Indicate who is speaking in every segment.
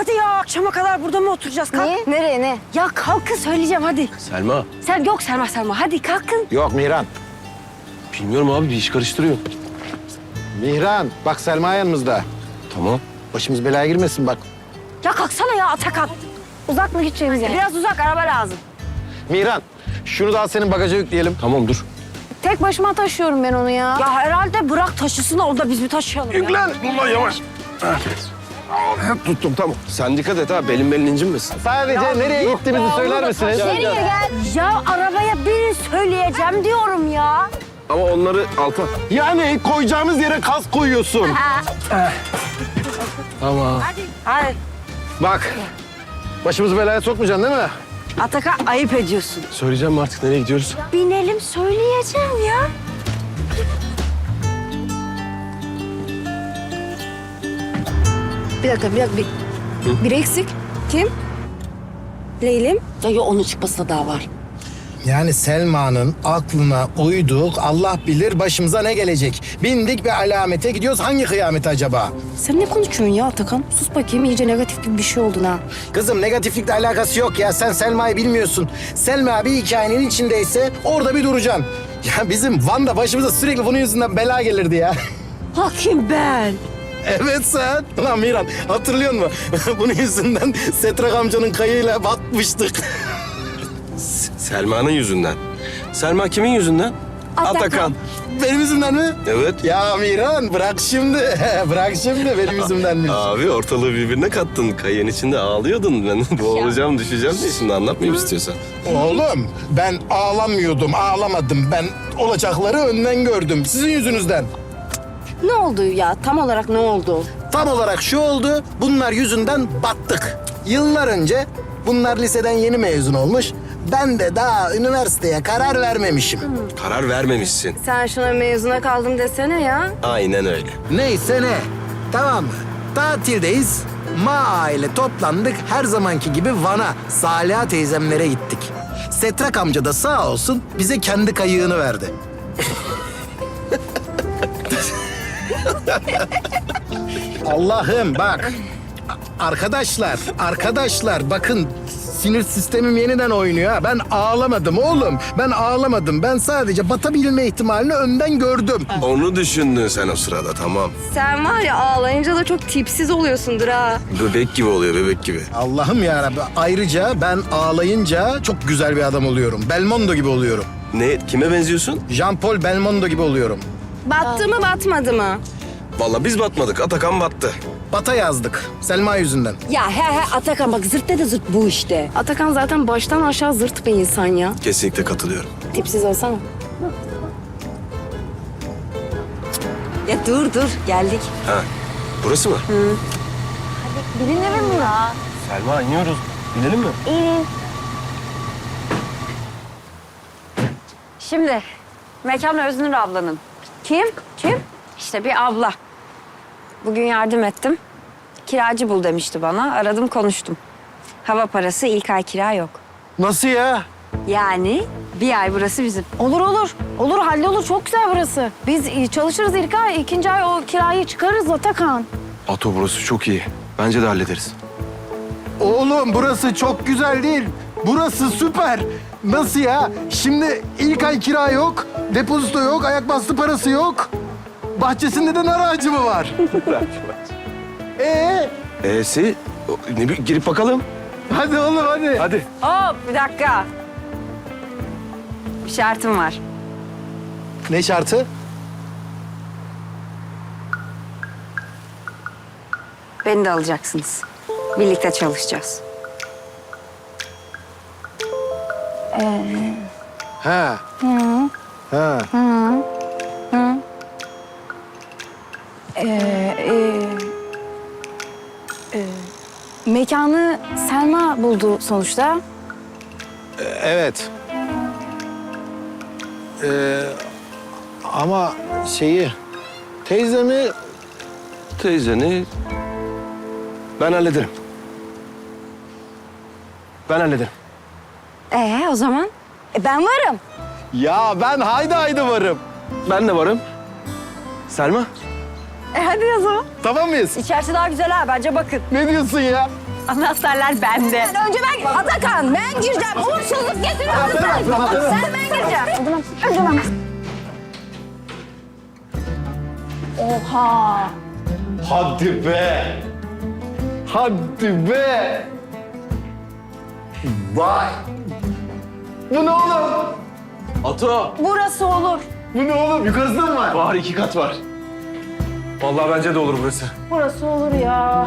Speaker 1: hadi ya. Akşama kadar burada mı oturacağız? Kalk.
Speaker 2: Niye? Nereye ne?
Speaker 1: Ya kalkın söyleyeceğim hadi.
Speaker 3: Selma.
Speaker 1: Yok Selma. Hadi kalkın.
Speaker 4: Yok Mihran.
Speaker 3: Bilmiyorum abi bir iş karıştırıyor.
Speaker 4: Mihran bak Selma yanımızda.
Speaker 3: Tamam.
Speaker 4: Başımız belaya girmesin bak.
Speaker 1: Ya kalksana ya Atakan.
Speaker 2: Uzak mı gideceğimiz yer?
Speaker 1: Biraz uzak araba lazım.
Speaker 4: Mihran şunu da al senin bagaja yükleyelim.
Speaker 3: Tamam dur.
Speaker 2: Tek başıma taşıyorum ben onu ya.
Speaker 1: Ya herhalde bırak taşısın orada biz mi taşıyalım ya?
Speaker 3: Yüklen. Ulan yavaş. Tuttum tamam. Sen dikkat et ha belin incinmesin.
Speaker 4: Sadece nereye gittiğimizi söyler misiniz?
Speaker 2: Nereye gel?
Speaker 1: Ya arabaya binin söyleyeceğim diyorum ya.
Speaker 3: Ama onları alta.
Speaker 4: Yani koyacağımız yere kas koyuyorsun.
Speaker 3: Tamam.
Speaker 1: Hadi.
Speaker 4: Bak başımızı belaya sokmayacaksın değil mi?
Speaker 1: Atakan ayıp ediyorsun.
Speaker 3: Söyleyeceğim mi artık nereye gidiyoruz?
Speaker 1: Binelim söyleyeceğim ya.
Speaker 2: Bir dakika. Biri eksik. Kim? Leylim.
Speaker 1: Ya onun çıkmasına daha var.
Speaker 5: Yani Selma'nın aklına uyduk, Allah bilir başımıza ne gelecek. Bindik bir alamete gidiyoruz. Hangi kıyamet acaba?
Speaker 2: Sen ne konuşuyorsun ya Atakan? Sus bakayım, iyice negatif gibi bir şey oldun ha.
Speaker 5: Kızım negatiflikle alakası yok ya. Sen Selma'yı bilmiyorsun. Selma bir hikayenin içindeyse orada bir duracaksın. Ya bizim Van'da başımıza sürekli bunun yüzünden bela gelirdi ya.
Speaker 1: Hakim ben.
Speaker 5: Evet sen. Lan Miran hatırlıyor musun? Bunun yüzünden Setrak amcanın kayığıyla batmıştık.
Speaker 3: Selma'nın yüzünden. Selma kimin yüzünden? Atakan.
Speaker 5: Benim yüzümden mi?
Speaker 3: Evet.
Speaker 5: Ya Miran bırak şimdi. Bırak şimdi benim yüzümdenmiş.
Speaker 3: Abi ortalığı birbirine kattın. Kayığın içinde ağlıyordun. Ben boğulacağım, düşeceğim diye şimdi anlatmayayım istiyorsan.
Speaker 5: Oğlum ben ağlamıyordum, ağlamadım. Ben olacakları önden gördüm. Sizin yüzünüzden.
Speaker 2: Ne oldu ya? Tam olarak ne oldu?
Speaker 5: Tam olarak şu oldu, bunlar yüzünden battık. Yıllar önce bunlar liseden yeni mezun olmuş. Ben de daha üniversiteye karar vermemişim.
Speaker 3: Karar vermemişsin.
Speaker 2: Sen şuna mezuna kaldım desene ya.
Speaker 3: Aynen öyle.
Speaker 5: Neyse ne, tamam mı? Tatildeyiz. Aile toplandık. Her zamanki gibi Van'a, Saliha teyzemlere gittik. Setrak amca da sağ olsun bize kendi kayığını verdi. Allah'ım bak. Arkadaşlar bakın sinir sistemim yeniden oynuyor ha. Ben ağlamadım oğlum. Ben ağlamadım. Ben sadece batabilme ihtimalini önden gördüm.
Speaker 3: Onu düşündün sen o sırada tamam.
Speaker 2: Sen var ya ağlayınca da çok tipsiz oluyorsundur ha.
Speaker 3: Bebek gibi oluyor bebek gibi.
Speaker 5: Allah'ım yarabbim. Ayrıca ben ağlayınca çok güzel bir adam oluyorum. Belmondo gibi oluyorum.
Speaker 3: Ne? Kime benziyorsun?
Speaker 5: Jean-Paul Belmondo gibi oluyorum.
Speaker 2: Battı mı batmadı mı?
Speaker 3: Vallahi biz batmadık. Atakan battı.
Speaker 5: Bata yazdık. Selma yüzünden.
Speaker 1: Ya he Atakan bak zırt dedi zırt bu işte.
Speaker 2: Atakan zaten baştan aşağı zırt bir insan ya.
Speaker 3: Kesinlikle katılıyorum.
Speaker 2: Tipsiz olsana.
Speaker 1: Ya dur geldik.
Speaker 3: Ha. Burası mı?
Speaker 2: Bilinir mi ya?
Speaker 3: Selma iniyoruz. Binelim mi?
Speaker 1: Şimdi mekan Öznur ablanın. Kim? İşte bir abla. Bugün yardım ettim. Kiracı bul demişti bana. Aradım konuştum. Hava parası ilk ay kira yok.
Speaker 4: Nasıl ya?
Speaker 1: Yani bir ay burası bizim.
Speaker 2: Olur hallolur. Çok güzel burası. Biz çalışırız ilk ay, ikinci ay o kirayı çıkarırız Atakan.
Speaker 3: Ato burası çok iyi. Bence de hallederiz.
Speaker 5: Oğlum burası çok güzel değil. Burası süper. Nasıl ya? Şimdi ilk ay kira yok, depozito yok, ayak bastı parası yok. Bahçesinde de nar ağacı mı var?
Speaker 3: E'si girip bakalım.
Speaker 5: Hadi oğlum hadi.
Speaker 3: Hadi.
Speaker 1: Hop bir dakika. Bir şartım var.
Speaker 5: Ne şartı?
Speaker 1: Beni de alacaksınız. Birlikte çalışacağız.
Speaker 5: Ha. Ha.
Speaker 2: Mekanı Selma buldu sonuçta.
Speaker 5: Evet. Ama teyzemi
Speaker 3: Teyzeni ben hallederim. Ben hallederim.
Speaker 1: O zaman?
Speaker 2: Ben varım.
Speaker 5: ya ben haydi varım.
Speaker 3: Ben de varım. Selma.
Speaker 1: Hadi o zaman.
Speaker 5: Tamam mıyız?
Speaker 1: İçerisi daha güzel ha bence bakın.
Speaker 5: Ne diyorsun ya?
Speaker 1: Anahtarlar bende.
Speaker 2: Önce ben Atakan ben gireceğim. Uğursuzluk getiriyorsun sen. Sen ben gireceğim. Önce ben. Oha.
Speaker 5: Hadi be. Hadi be. Vay. Bu ne oğlum?
Speaker 3: Ato.
Speaker 2: Burası olur.
Speaker 5: Bu ne oğlum? Yukarısında mı var?
Speaker 3: Var 2 kat var. Vallahi bence de olur burası.
Speaker 2: Burası olur ya.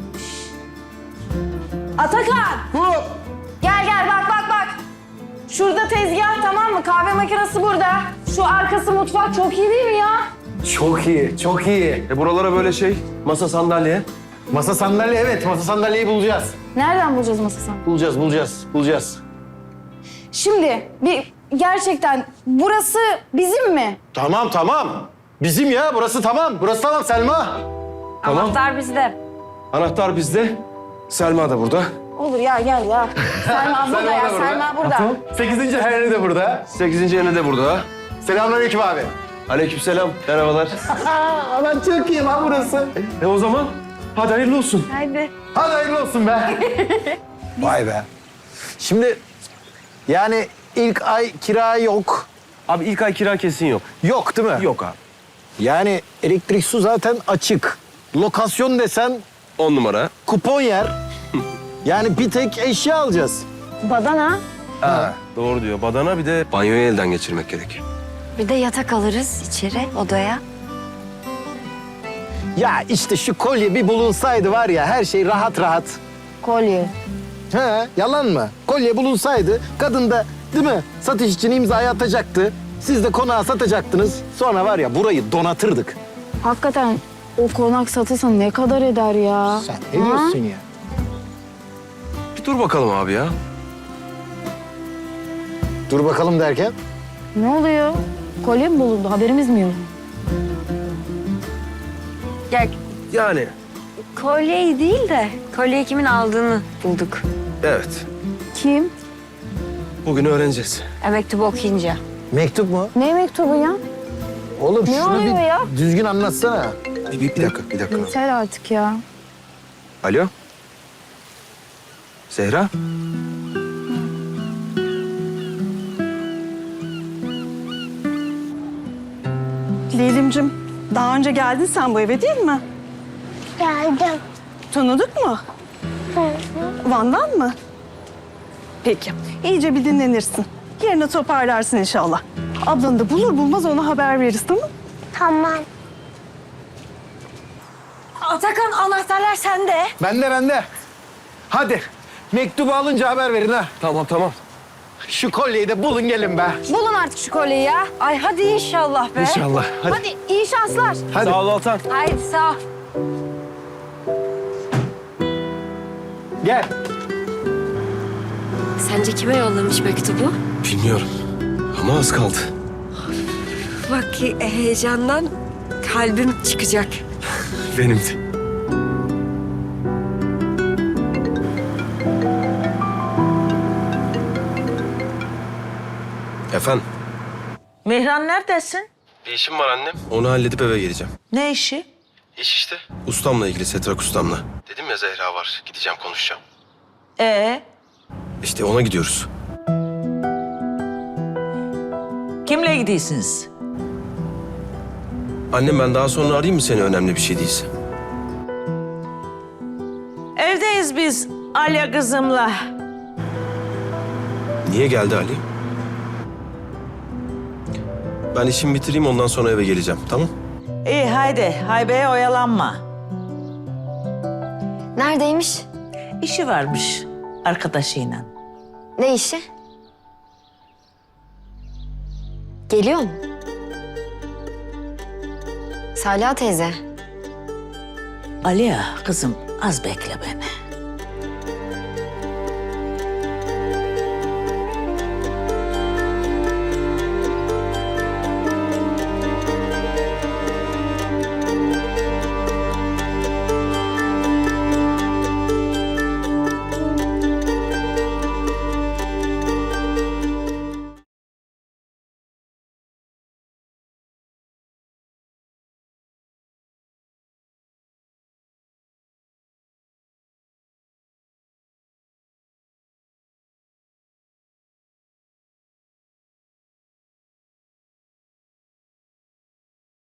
Speaker 2: Atakan.
Speaker 5: Bu.
Speaker 2: Gel bak. Şurada tezgah tamam mı? Kahve makinesi burada. Şu arkası mutfak çok iyi değil mi ya?
Speaker 5: Çok iyi, çok iyi.
Speaker 3: Buralara böyle masa sandalye.
Speaker 5: Masa sandalye, evet. Masa sandalyeyi bulacağız.
Speaker 2: Nereden bulacağız masasını?
Speaker 5: Bulacağız.
Speaker 2: Şimdi gerçekten burası bizim mi?
Speaker 5: Tamam. Bizim ya, burası tamam. Burası tamam Selma.
Speaker 3: Tamam.
Speaker 1: Anahtar bizde.
Speaker 3: Anahtar bizde. Selma da burada.
Speaker 2: Olur ya gel ya. Selma burada ya. Selma burada.
Speaker 5: 8. Henry de burada.
Speaker 3: 8. ene de burada.
Speaker 5: Selamünaleyküm abi.
Speaker 3: Aleykümselam. Merhabalar.
Speaker 5: Lan çok iyi lan burası.
Speaker 3: O zaman hadi hayırlı olsun.
Speaker 2: Haydi.
Speaker 5: Hadi hayırlı olsun be. Vay be. Şimdi yani ilk ay kira yok.
Speaker 3: Abi ilk ay kira kesin yok.
Speaker 5: Yok değil mi?
Speaker 3: Yok abi.
Speaker 5: Yani elektrik su zaten açık. Lokasyon desen
Speaker 3: 10 numara.
Speaker 5: kupon yer. Yani bir tek eşya alacağız.
Speaker 2: Badana.
Speaker 3: Ha. Doğru diyor. Badana bir de banyoyu elden geçirmek gerek.
Speaker 1: Bir de yatak alırız içeri odaya.
Speaker 5: Ya işte şu kolye bir bulunsaydı var ya her şey rahat.
Speaker 2: Kolye.
Speaker 5: He, yalan mı? Kolye bulunsaydı kadın da değil mi satış için imzayı atacaktı. Siz de konağı satacaktınız. Sonra var ya burayı donatırdık.
Speaker 2: Hakikaten o konak satılsa ne kadar eder ya?
Speaker 5: Sen ne diyorsun ya?
Speaker 3: Bir dur bakalım abi ya.
Speaker 5: Dur bakalım derken.
Speaker 2: Ne oluyor? Kolye mi bulundu? Haberimiz mi yok?
Speaker 1: Ya
Speaker 3: Yani
Speaker 1: kolyeyi değil de kolyeyi kimin aldığını bulduk.
Speaker 3: evet.
Speaker 2: Kim?
Speaker 3: Bugün öğreneceğiz.
Speaker 1: Mektubu okuyunca.
Speaker 5: Mektup mu?
Speaker 2: Ne mektubu ya?
Speaker 5: Oğlum
Speaker 2: Ne
Speaker 5: şunu
Speaker 2: oluyor
Speaker 5: bir
Speaker 2: ya?
Speaker 5: düzgün anlatsana.
Speaker 3: Bir dakika.
Speaker 2: Yeter artık ya.
Speaker 3: Alo. Zehra.
Speaker 6: Leylimcim, daha önce geldin sen bu eve değil mi?
Speaker 7: Geldim.
Speaker 6: Tanıdık mı? Van'dan mı? Peki, iyice bir dinlenirsin. Yerine toparlarsın inşallah. Ablanı da bulur bulmaz ona haber veririz, tamam mı?
Speaker 7: Tamam.
Speaker 1: Atakan anahtarlar sende.
Speaker 5: Bende. Hadi mektubu alınca haber verin ha.
Speaker 3: Tamam.
Speaker 5: Şu kolyeyi de bulun gelin be.
Speaker 2: Bulun artık şu kolyeyi ya.
Speaker 1: Ay hadi inşallah be.
Speaker 3: İnşallah. Hadi.
Speaker 2: Hadi iyi şanslar.
Speaker 5: Hadi.
Speaker 3: Sağ ol Altan.
Speaker 1: Haydi sağ ol.
Speaker 5: Gel.
Speaker 1: Sence kime yollamış mektubu?
Speaker 3: Bilmiyorum. Ama az kaldı.
Speaker 1: Bak ki heyecandan kalbim çıkacak.
Speaker 3: Benim de. Efendim?
Speaker 8: Mihran neredesin?
Speaker 3: Bir işim var annem. Onu halledip eve geleceğim.
Speaker 8: Ne işi?
Speaker 3: İş işte. Ustamla ilgili, Setrak ustamla. Dedim ya Zehra var. Gideceğim konuşacağım. İşte ona gidiyoruz.
Speaker 8: Kimle gidiyorsunuz?
Speaker 3: Annem ben daha sonra arayayım mı seni önemli bir şey değilse?
Speaker 8: Evdeyiz biz Alya kızımla.
Speaker 3: Niye geldi Ali? Ben işimi bitireyim ondan sonra eve geleceğim tamam?
Speaker 8: İyi haydi haybeye oyalanma.
Speaker 1: Neredeymiş?
Speaker 8: İşi varmış arkadaşıyla.
Speaker 1: Ne işi? Geliyor mu? Salih teyze.
Speaker 8: Alya kızım az bekle beni.